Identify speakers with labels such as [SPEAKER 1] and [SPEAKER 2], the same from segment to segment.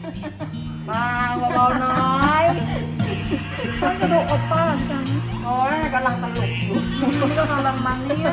[SPEAKER 1] มาเบาๆน้อยต้องกระดูกอบป้าจังโอ้ยกำลังตลกอยู่นี่ก็กำลังมันเนี่ย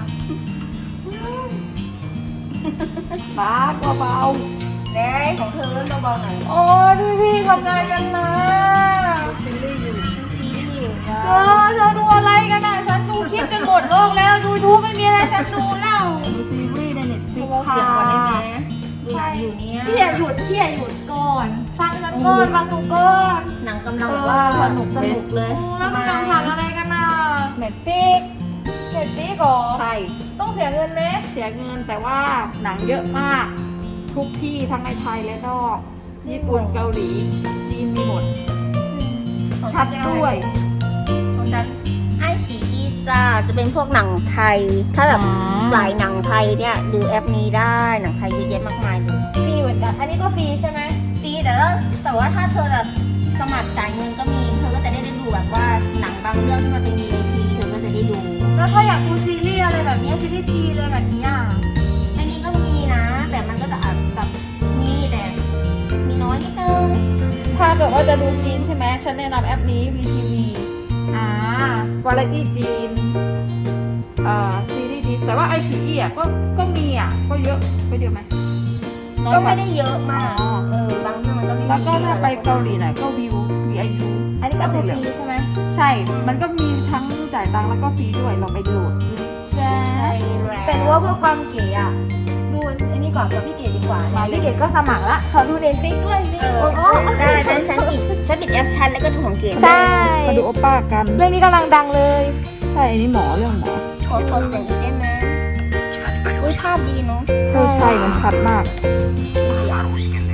[SPEAKER 1] บ้าเบาๆแดงของเธอเบาๆหน่อยโอ้ยพี่ทำงานกันนะซีรีส์อยู่เธอดูอะไรกันอ่ะฉันดูคลิปจนหมดโลกแล้วดูทูบไม่มีอะไรฉันดูแล้วดูซีรีส์ในเน็ตฟลิกซ์ค่ะดูหนังอยู่เนี่ยพี่อย่าหยุดก่อนฟังฉันก่อนฟังดูก่อนหนังกำลังว่าสนุกเลยแล้วกำลังทำอะไรกันน่ะเน็ตฟลิกก่อนใช่ต้องเสียเงินไหมเสียเงินแต่ว่าหนังเยอะมากทุกที่ทั้งในไทยและนอกญี่ปุ่นเกาหลีจีนมีหมดชัดด้วยของฉัน
[SPEAKER 2] ไอฉีอีจะเป็นพวกหนังไทยถ้าแบบสายหนังไทยเนี่ยดูแอปนี้ได้หนังไทยเยอะแยะมากมายเลย
[SPEAKER 1] ฟรีเหมือนกันอันนี้ก็ฟรีใช่ไหม
[SPEAKER 2] ฟรีแต่ว่าถ้าเธอแบบสมัครจ่ายเงินก็มีเธอก็จะได้ดูแบบว่าหนังบางเรื่องที่มันเป็น VIP เธอก็จะได้ดู
[SPEAKER 1] แล้วถ้าอยากดูซีรีส์อะไรแบบนี้ซีรีส์จีนอะไรแบบนี้อ่ะ
[SPEAKER 2] อันนี้ก็มีนะแต่มันก็จะอาจแบบมีแต่มีน้อยนิดนึง
[SPEAKER 1] ถ้าเกิดว่าจะดูจีนใช่ไหมฉันแนะนำแอปนี้ VTV วาไรตี้จีนซีรีส์จีนแต่ว่าไอฉีอีอ่ะก็มีอ่ะก็เยอะไหม
[SPEAKER 2] ก็ไม่ได้เยอะมากบางเรื่องมันก็ไม่
[SPEAKER 1] แล้วก็ถ้าไปเกาหลีหน่อยก็วิว VIU อันนี้ก็คือฟรีใช่ไหมใช่มันก็มีทั้งจ่ายตังค์แล้วก็ฟรีด้วยเราไปโหลดใช่แต่ว่าเพื่อความเก๋อ่ะดูอันนี้ก่อนกับพี่เก๋ดีกว่าพี่เก๋ก็สมัครละขอดูเน็ตฟลิกด้วย
[SPEAKER 2] ได้ฉันปิดแอปฉันแล้วก็ดูของเก๋
[SPEAKER 1] ใช่มาดูโอป้ากันเรื่องนี้กำลังดังเลยใช่อันนี้หมอเรื่องหมอ
[SPEAKER 2] โทรเสียงได้ไหมอุ้ยภาพดีเนาะ
[SPEAKER 1] ใช่มันชัดมาก